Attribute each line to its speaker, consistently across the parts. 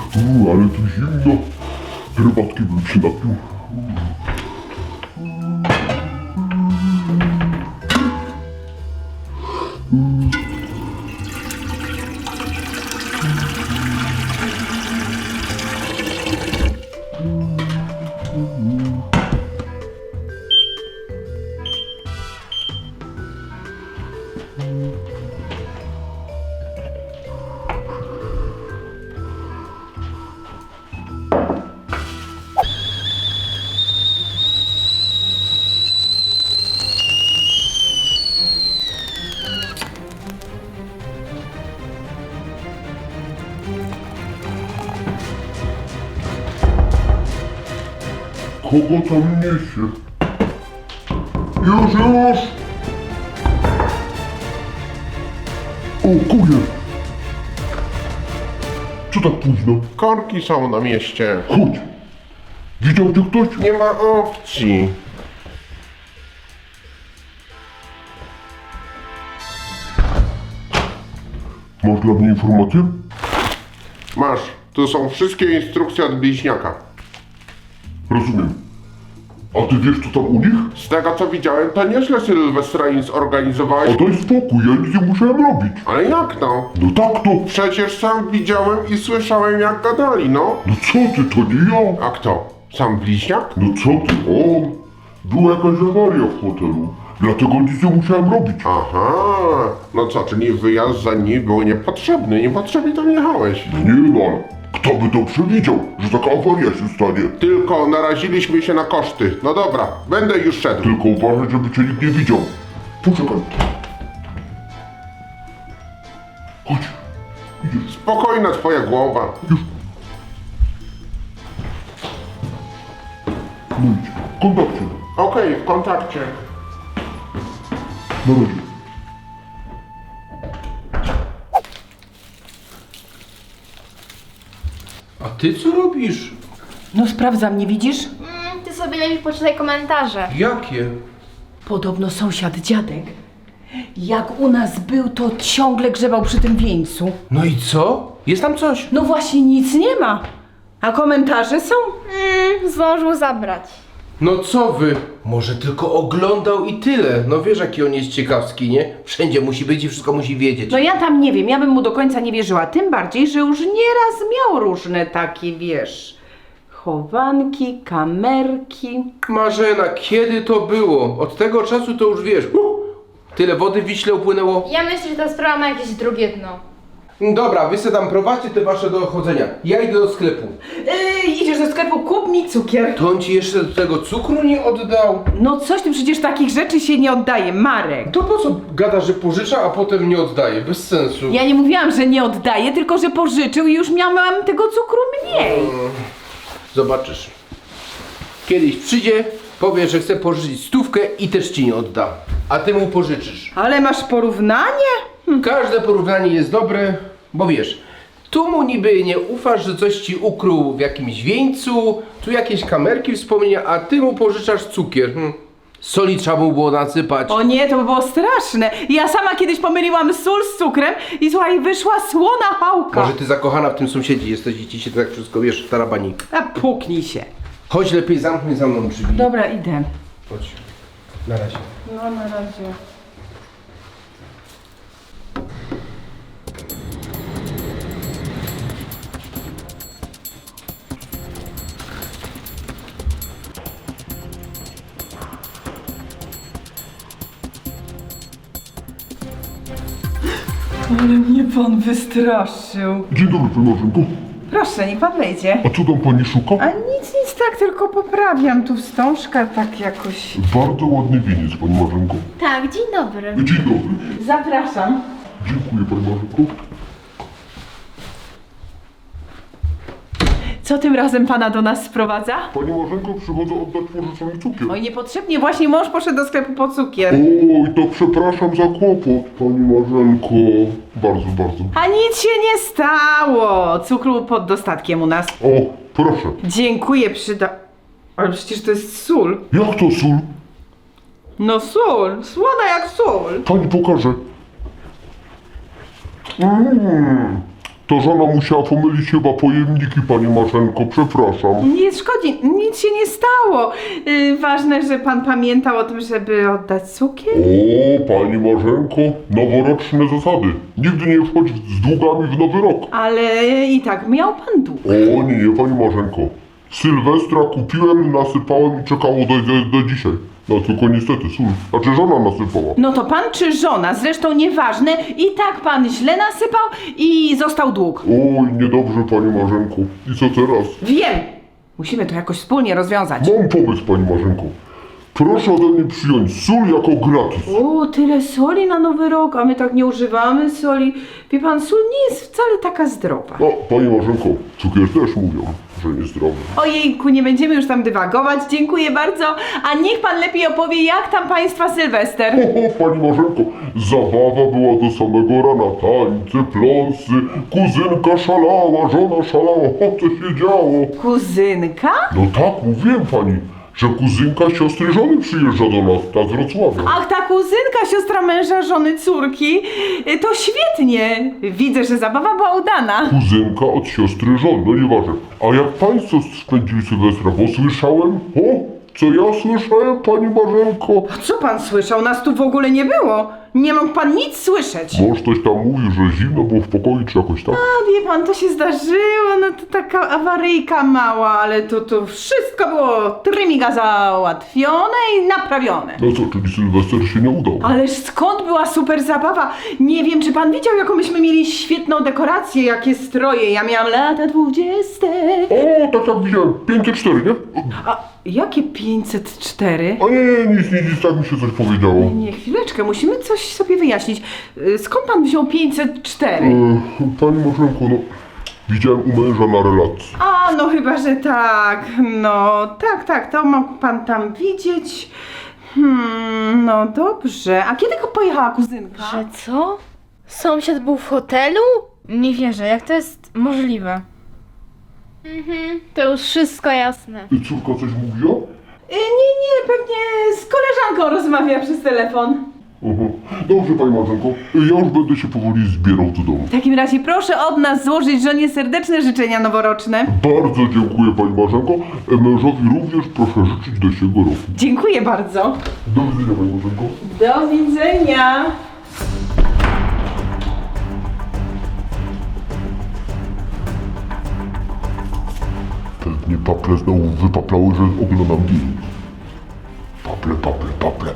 Speaker 1: Ale tu zimno. Herbatki bym się napił. Kogo tam niesie? Już! O, kurier! Co tak późno?
Speaker 2: Korki są na mieście.
Speaker 1: Chodź! Widział cię ktoś?
Speaker 2: Nie ma opcji.
Speaker 1: Masz dla mnie informację?
Speaker 2: Masz, tu są wszystkie instrukcje od bliźniaka.
Speaker 1: Rozumiem. A ty wiesz co tam u nich?
Speaker 2: Z tego co widziałem, to nieźle Sylwestra im zorganizowałeś.
Speaker 1: A daj spokój, ja nic nie musiałem robić.
Speaker 2: Ale jak to?
Speaker 1: No tak to.
Speaker 2: Przecież sam widziałem i słyszałem jak gadali, no.
Speaker 1: No co ty, to nie ja.
Speaker 2: A kto? Sam bliźniak?
Speaker 1: No co ty, on. Była jakaś awaria w hotelu. Dlatego nic nie musiałem robić.
Speaker 2: Aha, no co, czyli wyjazd za nim był niepotrzebny, niepotrzebnie tam jechałeś.
Speaker 1: Nie no, kto by to przewidział, że taka awaria się stanie?
Speaker 2: Tylko naraziliśmy się na koszty. No dobra, będę już szedł.
Speaker 1: Tylko uważaj, żeby cię nikt nie widział. Poczekaj. Chodź. Idziesz.
Speaker 2: Spokojna twoja głowa.
Speaker 1: No idź. W kontakcie.
Speaker 2: Okej, w kontakcie.
Speaker 1: Na razie.
Speaker 3: A ty co robisz?
Speaker 4: No sprawdzam, nie widzisz?
Speaker 5: Ty sobie lepiej poczytaj komentarze.
Speaker 3: Jakie?
Speaker 4: Podobno sąsiad dziadek, jak u nas był, to ciągle grzebał przy tym wieńcu.
Speaker 3: No i co? Jest tam coś?
Speaker 4: No właśnie nic nie ma. A komentarze są?
Speaker 5: Zdążył zabrać.
Speaker 3: No co wy? Może tylko oglądał i tyle. No wiesz jaki on jest ciekawski, nie? Wszędzie musi być i wszystko musi wiedzieć.
Speaker 4: No ja tam nie wiem, ja bym mu do końca nie wierzyła. Tym bardziej, że już nieraz miał różne takie, wiesz, chowanki, kamerki.
Speaker 3: Marzena, kiedy to było? Od tego czasu to już wiesz. Tyle wody w Wiśle upłynęło.
Speaker 5: Ja myślę, że ta sprawa ma jakieś drugie dno.
Speaker 3: Dobra, wy se tam prowadźcie te wasze dochodzenia. Ja idę do sklepu.
Speaker 4: Idziesz do sklepu, kup mi cukier.
Speaker 3: To on ci jeszcze do tego cukru nie oddał?
Speaker 4: No coś ty, przecież takich rzeczy się nie oddaje, Marek.
Speaker 3: To po co gada, że pożycza, a potem nie oddaje? Bez sensu.
Speaker 4: Ja nie mówiłam, że nie oddaję, tylko że pożyczył i już miałam tego cukru mniej.
Speaker 3: Zobaczysz. Kiedyś przyjdzie, powie, że chce pożyczyć 100 i też ci nie odda. A ty mu pożyczysz.
Speaker 4: Ale masz porównanie?
Speaker 3: Każde porównanie jest dobre, bo wiesz, tu mu niby nie ufasz, że coś ci ukrył w jakimś wieńcu, tu jakieś kamerki wspomnienia, a ty mu pożyczasz cukier. Soli trzeba mu było nasypać.
Speaker 4: O nie, to by było straszne. Ja sama kiedyś pomyliłam sól z cukrem i słuchaj, wyszła słona chałka.
Speaker 3: Może ty zakochana w tym sąsiedzie jesteś i ci się tak wszystko, wiesz, tarabani.
Speaker 4: A puknij się.
Speaker 3: Chodź lepiej, zamknij za mną drzwi.
Speaker 4: Dobra, idę.
Speaker 3: Chodź. Na razie.
Speaker 4: No na razie. Ale mnie pan wystraszył.
Speaker 1: Dzień dobry, pani Marzenko.
Speaker 4: Proszę, niech pan wejdzie.
Speaker 1: A co tam pani szuka?
Speaker 4: A nic, tak, tylko poprawiam tu wstążkę, tak jakoś.
Speaker 1: Bardzo ładny wieniec, pani Marzenko.
Speaker 5: Tak, dzień dobry.
Speaker 1: Dzień dobry.
Speaker 4: Zapraszam.
Speaker 1: Dziękuję, pani Marzenko.
Speaker 4: Co tym razem pana do nas sprowadza?
Speaker 1: Pani Marzenko, przychodzę oddać pożyczony cukier.
Speaker 4: Oj, niepotrzebnie, właśnie mąż poszedł do sklepu po cukier.
Speaker 1: Oj, to przepraszam za kłopot, pani Marzenko. Bardzo.
Speaker 4: A nic się nie stało. Cukru pod dostatkiem u nas.
Speaker 1: O, proszę.
Speaker 4: Dziękuję, Ale przecież to jest sól.
Speaker 1: Jak to sól?
Speaker 4: No sól, słona jak sól.
Speaker 1: Pani pokaże. Ta żona musiała pomylić chyba pojemniki, pani Marzenko, przepraszam.
Speaker 4: Nie szkodzi, nic się nie stało. Ważne, że pan pamiętał o tym, żeby oddać cukier.
Speaker 1: O, pani Marzenko, noworoczne zasady. Nigdy nie wchodź z długami w nowy rok.
Speaker 4: Ale i tak miał pan dług.
Speaker 1: O nie, pani Marzenko. Sylwestra kupiłem, nasypałem i czekało do dzisiaj. No tylko niestety, znaczy żona nasypała.
Speaker 4: No to pan czy żona, zresztą nieważne, i tak pan źle nasypał i został dług.
Speaker 1: Oj, niedobrze, pani Marzenko. I co teraz?
Speaker 4: Wiem! Musimy to jakoś wspólnie rozwiązać.
Speaker 1: Mam pomysł, pani Marzenko. Proszę ode mnie przyjąć sól jako gratis.
Speaker 4: O, tyle soli na Nowy Rok, a my tak nie używamy soli. Wie pan, sól nie jest wcale taka zdrowa.
Speaker 1: No, pani Marzenko, cukier też mówią, że niezdrowy.
Speaker 4: Ojejku, nie będziemy już tam dywagować, dziękuję bardzo. A niech pan lepiej opowie, jak tam państwa Sylwester.
Speaker 1: Pani Marzenko, zabawa była do samego rana. Tańce, pląsy, kuzynka szalała, żona szalała. O, co się działo?
Speaker 4: Kuzynka?
Speaker 1: No tak, mówiłem pani, że kuzynka siostry żony przyjeżdża do nas, ta z Wrocławia.
Speaker 4: Ach, ta kuzynka, siostra męża, żony córki. To świetnie. Widzę, że zabawa była udana.
Speaker 1: Kuzynka od siostry żony, no nieważne. A jak państwo spędzili Sylwestra, bo słyszałem, co ja słyszałem, pani Marzenko?
Speaker 4: Co pan słyszał? Nas tu w ogóle nie było. Nie mógł pan nic słyszeć.
Speaker 1: Może ktoś tam mówił, że zimno było w pokoju, czy jakoś tak?
Speaker 4: A wie pan, to się zdarzyło, no to taka awaryjka mała, ale to wszystko było trymiga załatwione i naprawione.
Speaker 1: No co, czyli Sylwester się nie udał?
Speaker 4: Ależ skąd była super zabawa? Nie wiem, czy pan widział, jaką myśmy mieli świetną dekorację, jakie stroje. Ja miałam lata 20.
Speaker 1: O, tak widziałem, 504, nie?
Speaker 4: A jakie 504?
Speaker 1: A nie, nic, tak mi się coś powiedziało.
Speaker 4: Nie, chwileczkę, musimy coś sobie wyjaśnić. Skąd pan wziął 504?
Speaker 1: Pani Marzenko, no, widziałem u męża na relacji.
Speaker 4: A, no chyba, że tak. No, tak, to mógł pan tam widzieć. No dobrze. A kiedy pojechała kuzynka?
Speaker 5: Że co? Sąsiad był w hotelu? Nie wierzę, jak to jest możliwe? To już wszystko jasne.
Speaker 1: I córka coś mówiła?
Speaker 4: Nie, pewnie z koleżanką rozmawia przez telefon.
Speaker 1: Dobrze, pani Marzenko, ja już będę się powoli zbierał do domu.
Speaker 4: W takim razie proszę od nas złożyć żonie serdeczne życzenia noworoczne.
Speaker 1: Bardzo dziękuję, pani Marzenko. Mężowi również proszę życzyć do siego roku.
Speaker 4: Dziękuję bardzo.
Speaker 1: Do widzenia, pani Marzenko.
Speaker 4: Do widzenia.
Speaker 1: Pewnie paple znowu wypaplały, że oglądam film. Paple.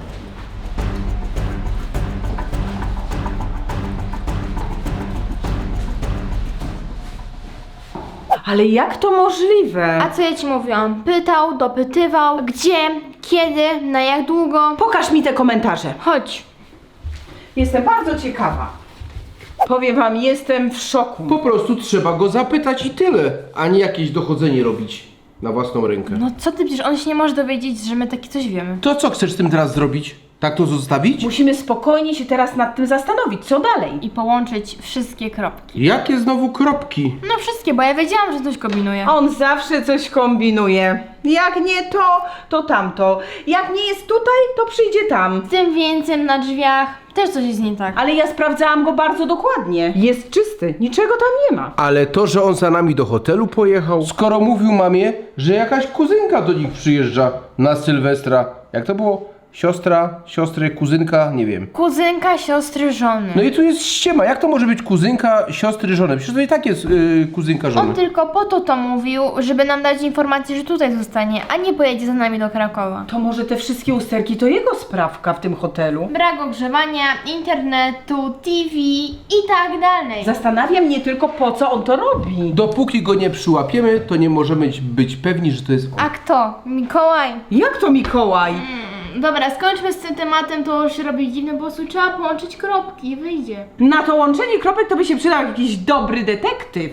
Speaker 4: Ale jak to możliwe?
Speaker 5: A co ja ci mówiłam? Pytał, dopytywał, gdzie, kiedy, na jak długo?
Speaker 4: Pokaż mi te komentarze.
Speaker 5: Chodź.
Speaker 4: Jestem bardzo ciekawa. Powiem wam, jestem w szoku.
Speaker 3: Po prostu trzeba go zapytać i tyle, a nie jakieś dochodzenie robić na własną rękę.
Speaker 5: No co ty, przecież on się nie może dowiedzieć, że my takie coś wiemy.
Speaker 3: To co chcesz z tym teraz zrobić? Tak to zostawić?
Speaker 4: Musimy spokojnie się teraz nad tym zastanowić, co dalej.
Speaker 5: I połączyć wszystkie kropki.
Speaker 3: Jakie znowu kropki?
Speaker 5: No wszystkie, bo ja wiedziałam, że coś kombinuje.
Speaker 4: On zawsze coś kombinuje. Jak nie to, to tamto. Jak nie jest tutaj, to przyjdzie tam.
Speaker 5: Tym więcej na drzwiach też coś jest nie tak.
Speaker 4: Ale ja sprawdzałam go bardzo dokładnie. Jest czysty, niczego tam nie ma.
Speaker 3: Ale to, że on za nami do hotelu pojechał, skoro mówił mamie, że jakaś kuzynka do nich przyjeżdża na Sylwestra. Jak to było? Siostry, kuzynka, nie wiem.
Speaker 5: Kuzynka siostry żony.
Speaker 3: No i tu jest ściema. Jak to może być kuzynka siostry żony? Przecież to i tak jest kuzynka żony.
Speaker 5: On tylko po to mówił, żeby nam dać informację, że tutaj zostanie, a nie pojedzie za nami do Krakowa.
Speaker 4: To może te wszystkie usterki to jego sprawka w tym hotelu?
Speaker 5: Brak ogrzewania, internetu, TV i tak dalej.
Speaker 4: Zastanawia mnie tylko, po co on to robi.
Speaker 3: Dopóki go nie przyłapiemy, to nie możemy być pewni, że to jest on.
Speaker 5: A kto? Mikołaj.
Speaker 4: Jak to Mikołaj?
Speaker 5: Dobra, skończmy z tym tematem, to już się robi dziwne, po prostu trzeba połączyć kropki i wyjdzie.
Speaker 4: Na to łączenie kropek to by się przydał jakiś dobry detektyw.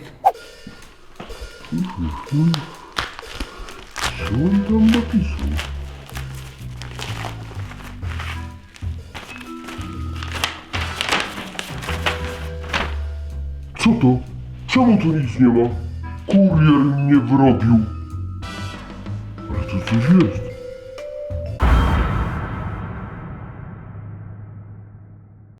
Speaker 1: Co on tam napisał? Co to? Czemu tu nic nie ma? Kurier mnie wrobił. Ale to coś jest.